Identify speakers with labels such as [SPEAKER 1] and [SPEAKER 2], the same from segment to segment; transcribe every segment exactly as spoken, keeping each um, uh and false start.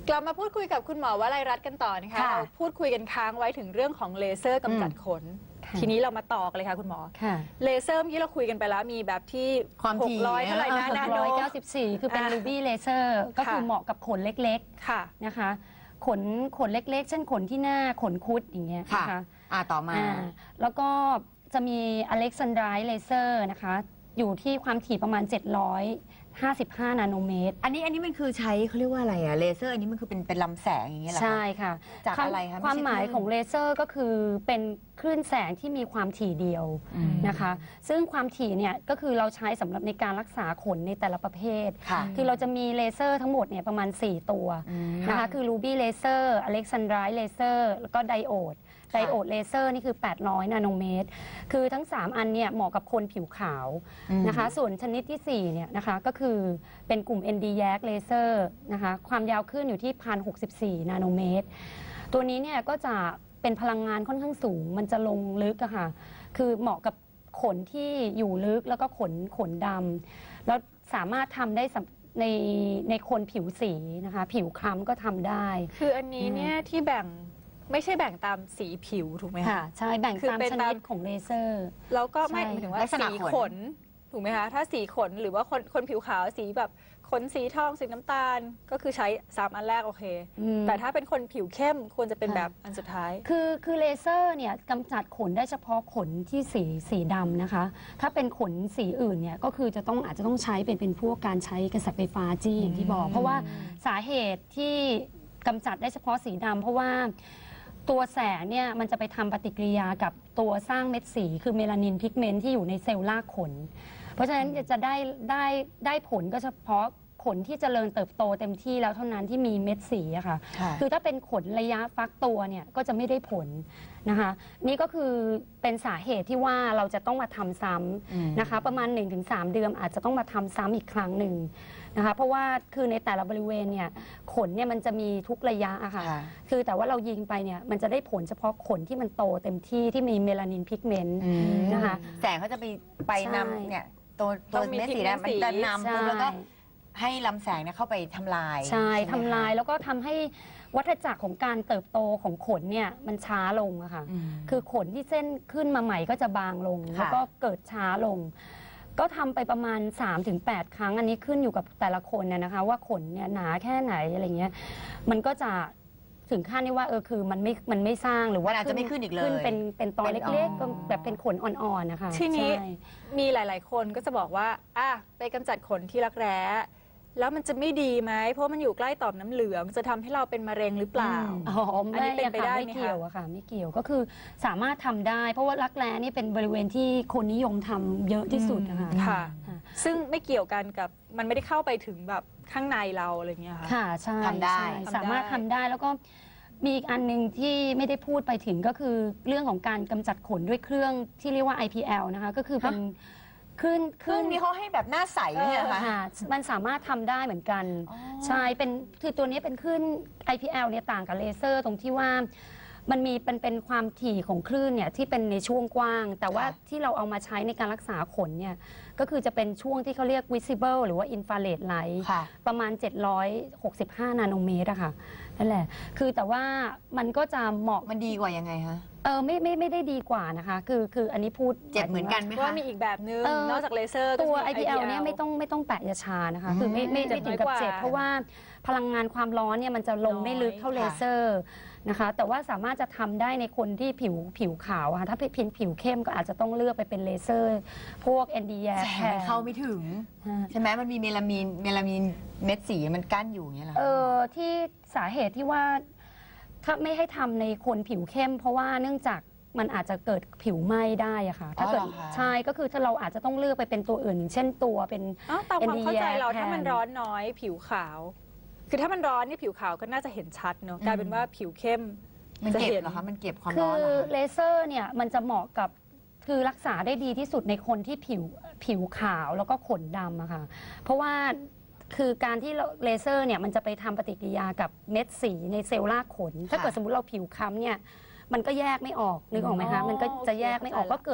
[SPEAKER 1] กลับมาพูดคุยกับคุณหมอวลัยรัตน์กันต่อนะคะเราพูดคุยกันค้างไว้ถึงเรื่องของเลเซอร์กำจัดขนทีนี้เรามาต่อกันเลยค่ะคุณหมอเลเซอร์เมื่อกี้เราคุยกันไปแล้วมีแบบที่
[SPEAKER 2] ความถี่
[SPEAKER 1] หกร้อยเท่าไหร่นะนาโน
[SPEAKER 3] หกร้อยเก้าสิบสี่คือเป็นรูบี้เลเซอร์ก็คือเหมาะกับขนเล็กๆนะคะขนขนเล็กๆเช่นขนที่หน้าขนคุดอย่างเงี้ยนะคะ
[SPEAKER 2] อ่าต่อมา
[SPEAKER 3] แล้วก็จะมีอเล็กซานไดร์เลเซอร์นะคะอยู่ที่ความถี่ประมาณเจ็ดร้อยห้าสิบห้านาโนเมตร
[SPEAKER 2] อันนี้อันนี้มันคือใช้เขาเรียกว่าอะไรอะเลเซอร์อันนี้มันคือเป็นเป็นลำแสงอย่างเงี้ยเหรอคะ
[SPEAKER 3] ใช่ค่ะ
[SPEAKER 2] จากอะไรคะ
[SPEAKER 3] ความหมายของเลเซอร์ก็คือเป็นคลื่นแสงที่มีความถี่เดียวนะคะซึ่งความถี่เนี่ยก็คือเราใช้สำหรับในการรักษาขนในแต่ละประเภทคือเราจะมีเลเซอร์ทั้งหมดเนี่ยประมาณสี่ตัวนะคะคือรูบี้เลเซอร์อเล็กซานไดร์เลเซอร์แล้วก็ไดโอดไดโอดเลเซอร์นี่คือแปดร้อยนาโนเมตรคือทั้งสามอันเนี่ยเหมาะกับคนผิวขาวนะคะส่วนชนิดที่สี่เนี่ยนะคะก็คือเป็นกลุ่ม เอ็น ดี แยก เลเซอร์นะคะความยาวคลื่นอยู่ที่ หนึ่งพันหกสิบสี่ นาโนเมตรตัวนี้เนี่ยก็จะเป็นพลังงานค่อนข้างสูงมันจะลงลึกอะค่ะคือเหมาะกับขนที่อยู่ลึกแล้วก็ขนขนดำแล้วสามารถทำได้ในในคนผิวสีนะคะผิวคล้ำก็ทำได้
[SPEAKER 1] คืออันนี้เนี่ยที่แบ่งไม่ใช่แบ่งตามสีผิวถูกไหมคะ
[SPEAKER 3] ใช่แบ่งตามชนิดของเลเซอร์
[SPEAKER 1] แล้วก็ไม่หมายถึงว่าสีขนถูกไหมคะถ้าสีขนหรือว่าคนคนผิวขาวสีแบบขนสีทองสีน้ำตาลก็คือใช้สามอันแรกโอเคแต่ถ้าเป็นคนผิวเข้มควรจะเป็นแบบอันสุดท้าย
[SPEAKER 3] คือคือเลเซอร์เนี่ยกำจัดขนได้เฉพาะขนที่สีสีดำนะคะถ้าเป็นขนสีอื่นเนี่ยก็คือจะต้องอาจจะต้องใช้เป็นเป็นพวกการใช้กระแสไฟฟ้าจี้อย่างที่บอกเพราะว่าสาเหตุที่กำจัดได้เฉพาะสีดำเพราะว่าตัวแสงเนี่ยมันจะไปทำปฏิกิริยากับตัวสร้างเม็ดสีคือเมลานินพิกเมนต์ที่อยู่ในเซลล์รากขนเพราะฉะนั้นจะได้ได้ได้ผลก็เฉพาะขนที่เจริญเติบโตเต็มที่แล้วเท่านั้นที่มีเม็ดสีอะค่ะคือถ้าเป็นขนระยะฟักตัวเนี่ยก็จะไม่ได้ผลนะคะนี่ก็คือเป็นสาเหตุที่ว่าเราจะต้องมาทำซ้ำนะคะประมาณ หนึ่งถึงสาม เดือนอาจจะต้องมาทำซ้ำอีกครั้งหนึ่งนะคะเพราะว่าคือในแต่ละบริเวณเนี่ยขนเนี่ยมันจะมีทุกระยะอะค่ะคือแต่ว่าเรายิงไปเนี่ยมันจะได้ผลเฉพาะขนที่มันโตเต็มที่ที่มีเมลานินพิกเมนต์นะคะ
[SPEAKER 2] แสงเขาจะไปไปนำเนี่ยตัวตัวเม็ดสีแดงมันจะนำปุ๊บแล้วก็ให้ลำแสงเนี่ยเข้าไปทำลาย
[SPEAKER 3] ใช่ทำลายแล้วก็ทำให้วัฏจักรของการเติบโตของขนเนี่ยมันช้าลงอะค่ะคือขนที่เส้นขึ้นมาใหม่ก็จะบางลงแล้วก็เกิดช้าลงก็ทำไปประมาณ สามถึงแปด ครั้งอันนี้ขึ้นอยู่กับแต่ละคนเนี่ยนะคะว่าขนเนี่ยหนาแค่ไหนอะไรเงี้ยมันก็จะถึงขั้นที่ว่าเออคือมันไม่มันไม่สร้างหรือว่า
[SPEAKER 2] อาจจะไม่ขึ้นอีกเลย
[SPEAKER 3] ขึ้นเป็นเป็นตอนเล็กๆก็แบบเป็นขนอ่อนๆนะคะ
[SPEAKER 1] ทีนี้มีหลายๆคนก็จะบอกว่าอ่ะไปกำจัดขนที่รักแร้แล้วมันจะไม่ดีไหมเพราะมันอยู่ใกล้ต่อมน้ำเหลืองจะทำให้เราเป็นมะเร็งหรือเปล่า
[SPEAKER 3] อ๋ออันนี้เป็นไปได้ไม่เกี่ยวอะค่ะไม่เกี่ยวก็คือสามารถทำได้เพราะว่ารักแร้นี่เป็นบริเวณที่คนนิยมทำเยอะที่สุดนะคะ
[SPEAKER 1] ค่ะซึ่งไม่เกี่ยวกันกับมันไม่ได้เข้าไปถึงแบบข้างในเราอะไรเงี้ยค่ะ
[SPEAKER 3] ค่ะใช่
[SPEAKER 2] ทำได้
[SPEAKER 3] สามารถทำได้แล้วก็มีอีกอันหนึ่งที่ไม่ได้พูดไปถึงก็คือเรื่องของการกำจัดขนด้วยเครื่องที่เรียกว่า ไอ พี แอล นะคะก็คือเป็นขึ้น
[SPEAKER 2] ขึ้นนี่เขาให้แบบหน้าใสเนี่ยค่ะ
[SPEAKER 3] มันสามารถทำได้เหมือนกันใช่เป็นคือตัวนี้เป็นขึ้น ไอ พี แอล เนี่ยต่างกับเลเซอร์ตรงที่ว่ามันมีเป็นเป็นความถี่ของคลื่นเนี่ยที่เป็นในช่วงกว้างแต่ว่าที่เราเอามาใช้ในการรักษาขนเนี่ยก็คือจะเป็นช่วงที่เขาเรียก visible หรือว่า infrared light ประมาณเจ็ดร้อยหกสิบห้านาโนเมตรอะค่ะนั่นแหละคือแต่ว่ามันก็จะเหมาะ
[SPEAKER 2] มันดีกว่ายังไงคะ
[SPEAKER 3] เออไม่ไม่ไม่ได้ดีกว่านะคะคือคืออันนี้พูด
[SPEAKER 2] เจ็บเหมือนกันไหมคะ
[SPEAKER 1] ว่ามีอีกแบบนึงนอกจากเลเซอร์
[SPEAKER 3] ตัว ไอ พี แอล เนี่ยไม่ต้องไม่ต้องแปะยาชานะคะคือไม่ไม่ถึงกับเจ็บเพราะว่าพลังงานความร้อนเนี่ยมันจะลงไม่ลึกเท่าเลเซอร์นะคะแต่ว่าสามารถจะทำได้ในคนที่ผิวผิวขาวค่ะถ้าเป็นผิวเข้มก็อาจจะต้องเลือกไปเป็นเลเซอร์พวก เอ็น ดี แยก
[SPEAKER 2] แสงมันเข้าไม่ถึงใช่ไหมมันมีเมลามีนเมลามีนเม็ดสีมันกั้นอยู่อย่างเงี้ยหรอ
[SPEAKER 3] เออที่สาเหตุที่ว่าถ้าไม่ให้ทำในคนผิวเข้มเพราะว่าเนื่องจากมันอาจจะเกิดผิวไหม้ได้อะค่ะถ้าเกิดใช่ก็คือถ้าเราอาจจะต้องเลือกไปเป็นตัวอื่นเช่นตัวเป็น
[SPEAKER 1] ตามความเข้าใจเราถ้ามันร้อนน้อยผิวขาวคือถ้ามันร้อนนี่ผิวขาวก็น่าจะเห็นชัดเนาะกลายเป็นว่าผิวเข้ม
[SPEAKER 2] มันเก็บเหรอคะมันเก็บความร้อน
[SPEAKER 3] คือเลเซอร์เนี่ยมันจะเหมาะกับคือรักษาได้ดีที่สุดในคนที่ผิวผิวขาวแล้วก็ขนดำอะค่ะเพราะว่าคือการที่เลเซอร์เนี่ยมันจะไปทำปฏิกิริยากับเม็ดสีในเซลล์รากขนถ้าเกิดสมมติเราผิวค้ำเนี่ยมันก็แยกไม่ออกนึกออกไหมคะมันก็จะแยกไม่ออกก็เกิด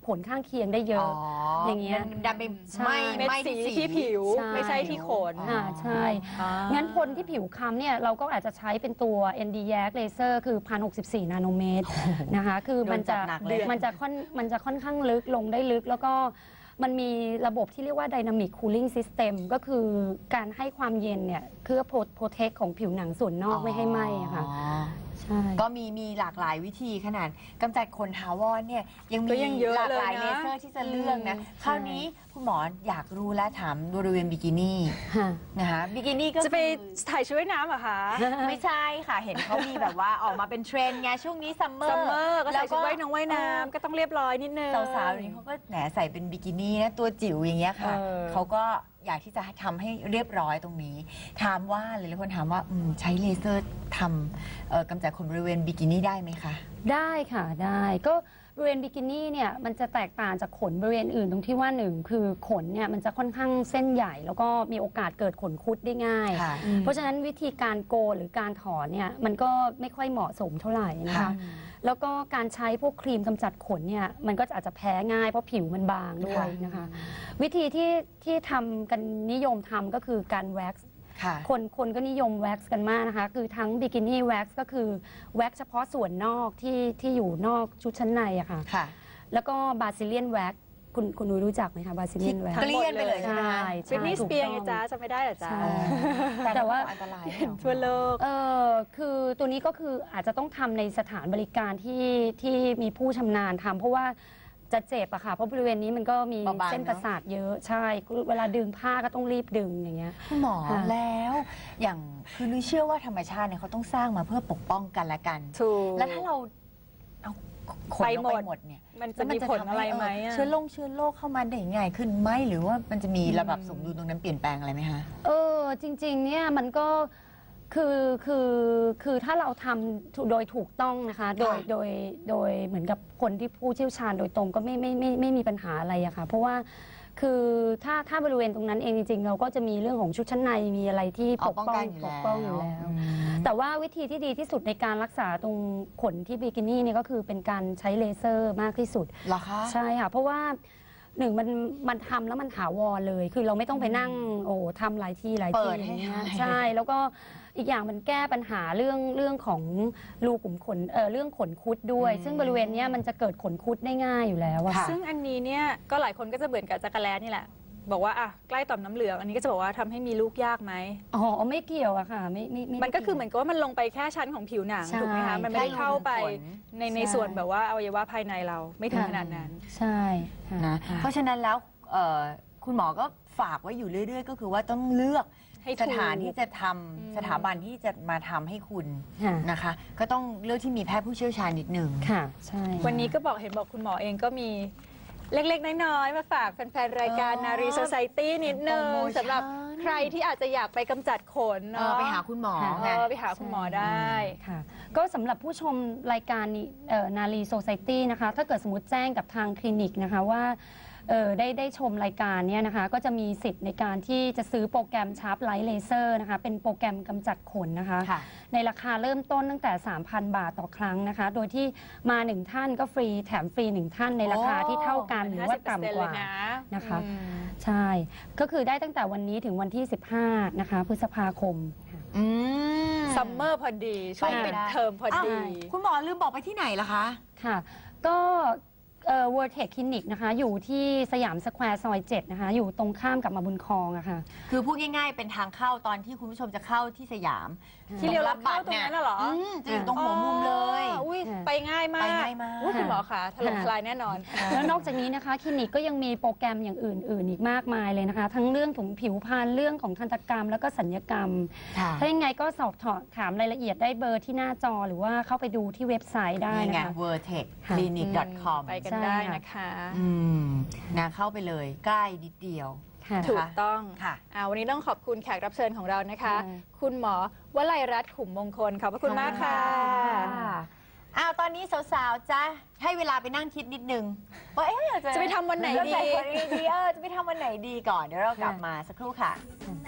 [SPEAKER 3] ผลข้างเคียงได้เยอะ อย่างเงี้ย
[SPEAKER 2] มันดันไป
[SPEAKER 3] ใช่
[SPEAKER 2] ไหม่
[SPEAKER 1] เม็ด
[SPEAKER 2] ไหม้
[SPEAKER 1] สี
[SPEAKER 2] ที่
[SPEAKER 1] ที่ผิว
[SPEAKER 3] ใช่
[SPEAKER 1] ไม่ใช่ที่ขน
[SPEAKER 3] อ่าใช่
[SPEAKER 1] อ่า
[SPEAKER 3] งั้นคนที่ผิวค้ำเนี่ยเราก็อาจจะใช้เป็นตัว เอ็น ดี แยก Laser คือ หนึ่งพันหกสิบสี่ นาโนเมตรนะคะ คือมันจะ
[SPEAKER 2] โดนจัดหนักเลย
[SPEAKER 3] มันจะค่อนมันจะค่อนข้างลึกลงได้ลึก แล้วก็มันมีระบบที่เรียกว่า Dynamic Cooling System ก็คือการให้ความเย็นเนี่ยเพื่อโปรเทคของผิวหนังส่วนนอกไม่ให้ไหม้อะค่ะ
[SPEAKER 2] อ๋อ
[SPEAKER 3] ใช่
[SPEAKER 2] ก็มีมีหลากหลายวิธีขนาดกำจัดขนถาวรเนี่ยยัง
[SPEAKER 1] ก็
[SPEAKER 2] มี
[SPEAKER 1] ยังเยอะ
[SPEAKER 2] หลากหลาย
[SPEAKER 1] เลยนะ
[SPEAKER 2] เลเซอร์ที่จะเลือกนะ
[SPEAKER 1] อืม
[SPEAKER 2] คราวนี้คุณหมออยากรู้และถามบริเวณบิกินี่
[SPEAKER 3] ค่ะ
[SPEAKER 2] นะคะบิกินี่ก็
[SPEAKER 1] จะไป
[SPEAKER 2] คือ
[SPEAKER 1] ถ่ายชุดว่ายน้ำเหรอคะ
[SPEAKER 2] ไม่ใช่ค่ะ เห็นเขามีแบบว่าออกมาเป็นเทรนด์ไงช่วงนี้ซัมเมอร์
[SPEAKER 1] ซัมเมอร์ก็
[SPEAKER 2] แล้
[SPEAKER 1] ใส่
[SPEAKER 2] ว
[SPEAKER 1] ชุดว่ายน้ำว่ายน้ำก็ต้องเรียบร้อยนิดนึง
[SPEAKER 2] สาวๆนี้เขาก็แหนใส่เป็นบิกินี่นะตัวจิ๋วอย่างเงี้ยค่ะ
[SPEAKER 1] เออ
[SPEAKER 2] เขาก็อยากที่จะทำให้เรียบร้อยตรงนี้ ถามว่าหลายๆคนถามว่าอืมใช้เลเซอร์ทำเอ่อกำจัดขนบริเวณบิกินี่ได้ไหมคะ
[SPEAKER 3] ได้ค่ะได้ก็บริเวณบิกินี่เนี่ยมันจะแตกต่างจากขนบริเวณอื่นตรงที่ว่าหนึ่งคือขนเนี่ยมันจะค่อนข้างเส้นใหญ่ แล้วก็มีโอกาสเกิดขนคุดได้ง่าย
[SPEAKER 2] ค่ะ
[SPEAKER 3] เพราะฉะนั้นวิธีการโกนหรือการถอนเนี่ยมันก็ไม่ค่อยเหมาะสมเท่าไหร่นะคะ
[SPEAKER 2] ค่ะ
[SPEAKER 3] แล้วก็การใช้พวกครีมกำจัดขนเนี่ยมันก็อาจจะแพ้ง่ายเพราะผิวมันบางด้วยนะคะ วิธีที่ที่ทำกันนิยมทำก็คือการแว็กซ์
[SPEAKER 2] ค่ะ
[SPEAKER 3] คนคนก็นิยมแว็กซ์กันมากนะคะ คือทั้งบิกินี่แว็กซ์ก็คือแว็กซ์เฉพาะส่วนนอกที่ที่อยู่นอกชุดชั้นในอะค่ะ
[SPEAKER 2] ค่ะ
[SPEAKER 3] แล้วก็บาซิเลียนแว็กซ์คุณคุณนุ้ยรู้จักไหมคะบาซิเลียนแว็ก
[SPEAKER 2] เก
[SPEAKER 3] ซ์
[SPEAKER 2] ลี้ยงไปเลยใช่ไหมคะ
[SPEAKER 3] ใช่
[SPEAKER 1] บิทนี่ส
[SPEAKER 3] ถูก
[SPEAKER 1] เปียร์
[SPEAKER 3] ต้อง
[SPEAKER 1] ไงจ๊ะจะไม่ได้เหรอจ๊ะ
[SPEAKER 3] ใช่
[SPEAKER 2] แต่
[SPEAKER 3] แต่ว่า
[SPEAKER 2] อันตรายไม่เหรอ
[SPEAKER 1] ทั่วโลก
[SPEAKER 3] เออคือตัวนี้ก็คืออาจจะต้องทำในสถานบริการที่ที่มีผู้ชำนาญทำเพราะว่าจะเจ็บอะค่ะเพราะบริเวณนี้มันก็มี
[SPEAKER 2] เบาบาง
[SPEAKER 3] เส้นประสาทเยอะใช่เวลาดึงผ้าก็ต้องรีบดึงอย่างเงี้ย
[SPEAKER 2] คุณหมอ
[SPEAKER 3] ค่ะ
[SPEAKER 2] แล้วอย่างคือนุ้ยเชื่อว่าธรรมชาติเนี่ยเขาต้องสร้างมาเพื่อปกป้องกันและกัน
[SPEAKER 1] ถูก
[SPEAKER 2] แล้วถ้าเราเอาขน
[SPEAKER 1] ไป
[SPEAKER 2] ลง
[SPEAKER 1] หม
[SPEAKER 2] ไป
[SPEAKER 1] ด
[SPEAKER 2] หมดเนี่ย
[SPEAKER 1] มัน
[SPEAKER 2] แล้
[SPEAKER 1] จะ
[SPEAKER 2] ว
[SPEAKER 1] มีผลอะไรไหม
[SPEAKER 2] เออ
[SPEAKER 1] อะ
[SPEAKER 2] เชื้อโรคเชื้อโรคเข้ามาได้ง่ายขึ้นไหมหรือว่ามันจะมีระดับสมดุลตรงนั้นเปลี่ยนแปลงอะไรไหมคะ
[SPEAKER 3] เออจริงๆเนี่ยมันก็คือคือคือถ้าเราทำโดยถูกต้องนะคะโดย
[SPEAKER 2] ค่ะ
[SPEAKER 3] โดยโดยเหมือนกับคนที่ผู้เชี่ยวชาญโดยตรงก็ไม่ไม่ไม่ไม่มีปัญหาอะไรอะค่ะเพราะว่าคือถ้าถ้าบริเวณตรงนั้นเองจริงๆ เราก็จะมีเรื่องของชุดชั้นในมีอะไรที่ปกป้องปกป้องอยู่แล้ว
[SPEAKER 2] อืม
[SPEAKER 3] แต่ว่าวิธีที่ดีที่สุดในการรักษาตรงขนที่บิกินี่เนี่ยก็คือเป็นการใช้เลเซอร์มากที่สุด
[SPEAKER 2] เหรอคะ
[SPEAKER 3] ใช่ค่ะเพราะว่าหนึ่งมันมันทำแล้วมันถาวรเลย คือเราไม่ต้องไปนั่งโอ้ทำหลายที่หลาย
[SPEAKER 2] เปิ
[SPEAKER 3] ที่
[SPEAKER 2] ด
[SPEAKER 3] อ
[SPEAKER 2] ให้
[SPEAKER 3] ย่างเงี้ย
[SPEAKER 2] หาย
[SPEAKER 3] ใช่แล้วก็อีกอย่างมันแก้ปัญหาเรื่องเรื่องของรูขุมขนเออเรื่องขนคุดด้วย ซึ่งบริเวณเนี้ยมันจะเกิดขนคุดได้ง่ายอยู่แล้วอะ
[SPEAKER 2] ค่ะ
[SPEAKER 1] ซึ่งอันนี้เนี่ยก็หลายคนก็จะเบื่อกับจักรแลนี่แหละ บอกว่าอ่ะใกล้ต่อมน้ำเหลือง อันนี้ก็จะบอกว่าทำให้มีลูกยากไหม
[SPEAKER 3] อ๋อไม่เกี่ยวอะค่ะไม่ไม่ไ
[SPEAKER 1] มันก็คือเหมือนกับว่ามันลงไปแค่ชั้นของผิวหนัง
[SPEAKER 3] ใช่
[SPEAKER 1] ถูกไหมคะ มันไม่ได้เข้าไป
[SPEAKER 2] แค่รูขุมขน
[SPEAKER 1] ในใน
[SPEAKER 3] ใช่
[SPEAKER 1] ส่วนแบบว่าอวัยวะภายในเราไม่ถึงขนาดนั้น
[SPEAKER 3] ใช่ค่ะ
[SPEAKER 2] นะ
[SPEAKER 3] ค่ะ
[SPEAKER 2] เพราะฉะนั้นแล้วเอ่อคุณหมอก็ฝากไว้อยู่เรื่อย ๆ ก็คือว่าต้องเลือก
[SPEAKER 1] ให้
[SPEAKER 2] ส
[SPEAKER 1] ถูก
[SPEAKER 2] ถานที่จะทำ
[SPEAKER 1] อืม
[SPEAKER 2] สถาบันที่จะมาทำให้คุณ
[SPEAKER 3] ค่ะ
[SPEAKER 2] นะคะ ก็ต้องเลือกที่มีแพทย์ผู้เชี่ยวชาญนิดหนึ่ง
[SPEAKER 3] ค่ะใช่
[SPEAKER 1] วันนี้ก็บอกเห็นบอกคุณหมอเองก็มีเล็กๆ น้อยๆ มาฝากแฟนๆ รายการ
[SPEAKER 2] เออ
[SPEAKER 1] นารีโซไซตี้นิดนึง
[SPEAKER 2] โปรโมชั่น
[SPEAKER 1] สำหรับใครที่อาจจะอยากไปกำจัดขน
[SPEAKER 2] เอ
[SPEAKER 1] เนาะ
[SPEAKER 2] อไปหาคุณหมอ
[SPEAKER 3] ค่ะ
[SPEAKER 1] เอ
[SPEAKER 2] ไง
[SPEAKER 1] อไปหาคุณหมอได้
[SPEAKER 3] ค่ะก็สำหรับผู้ชมรายการนี้เอ่อนารีโซไซตี้นะคะถ้าเกิดสมมติแจ้งกับทางคลินิกนะคะว่าเอ่อได้ได้ชมรายการเนี่ยนะคะก็จะมีสิทธิ์ในการที่จะซื้อโปรแกรมชาร์ปไลท์เลเซอร์นะคะเป็นโปรแกรมกำจัดขนนะคะ
[SPEAKER 2] ค่ะ
[SPEAKER 3] ในราคาเริ่มต้นตั้งแต่ สามพัน บาทต่อครั้งนะคะ โดยที่มาหนึ่งท่านก็ฟรีแถมฟรีหนึ่งท่านในราคาที่เท่ากันหรือว่าต่ำกว่า นะคะ
[SPEAKER 1] อืม
[SPEAKER 3] ใช่ ก็คือได้ตั้งแต่วันนี้ถึงวันที่ สิบห้า นะคะพฤษภาคมค่ะ
[SPEAKER 2] อืม
[SPEAKER 1] ซัมเมอร์พอดี ช่วง
[SPEAKER 2] ไป
[SPEAKER 1] ปิด
[SPEAKER 2] ได้
[SPEAKER 1] เทอมพอ
[SPEAKER 2] อ้าว
[SPEAKER 1] ดี
[SPEAKER 2] คุณหมอลืมบอกไปที่ไหนล่ะคะ
[SPEAKER 3] ค่ะ ก็เอ่อ World Tech Clinic นะคะ อยู่ที่สยามสแควร์ซอยเจ็ดนะคะ อยู่ตรงข้ามกับมาบุญครองอะค่ะ
[SPEAKER 2] คือพูดง่ายๆ เป็นทางเข้าตอนที่คุณผู้ชมจะเข้าที่สยาม
[SPEAKER 1] ที่เลี้ยวรับเข้าตรงนั้นน่ะเหรอ
[SPEAKER 2] มจะอยู่ตรงหัวมุมเลย
[SPEAKER 1] อ๋ออุ้ย
[SPEAKER 3] ค่ะ
[SPEAKER 1] ไปง่ายมาก
[SPEAKER 2] ไปง่ายมาก
[SPEAKER 1] อุ้ยคุณหมอคะถล่ม
[SPEAKER 3] ค่ะ
[SPEAKER 1] ทลายแน่นอน
[SPEAKER 3] แล้วนอกจากนี้นะคะคลินิกก็ยังมีโปรแกรมอย่างอื่น ๆ อีกมากมายเลยนะคะ ทั้งเรื่องของผิวพรรณเรื่องของทันตกรรมแล้วก็สัญญกรรม
[SPEAKER 2] ค่ะ
[SPEAKER 3] ถ้ายังไงก็สอบถามรายละเอียดได้เบอร์ที่หน้าจอหรือว่าเข้าไปดูที่เว็บไซต์ได้
[SPEAKER 2] นี่
[SPEAKER 3] นะ
[SPEAKER 2] ไง
[SPEAKER 3] คะ
[SPEAKER 2] เวอร์เทคคลินิก ดอท คอม
[SPEAKER 1] ไปกัน
[SPEAKER 3] ใช่
[SPEAKER 1] ได้
[SPEAKER 3] ค่ะ
[SPEAKER 1] นะคะ
[SPEAKER 2] อืมนะเข้าไปเลยใกล้นิดเดียว
[SPEAKER 3] ค่ะ
[SPEAKER 1] ถูกต้อง
[SPEAKER 2] ค่ะ
[SPEAKER 1] อ่าวันนี้ต้องขอบคุณแขกรับเชิญของเรานะคะ
[SPEAKER 3] ใช่
[SPEAKER 1] คุณหมอวลัยรัตน์ขุมมงคลขอบพระคุณมากค่ะ
[SPEAKER 2] อ้าวตอนนี้สาวๆจะให้เวลาไปนั่งคิดนิดนึงว่าเอ๊ะเราจะ
[SPEAKER 1] จะไปทำวันไหนดี
[SPEAKER 2] จะไปทำวันไหนดีเออจะไปทำวันไหนดีก่อน เดี๋ยวเรากลับมาสักครู่ค่ะ
[SPEAKER 3] ค่ะ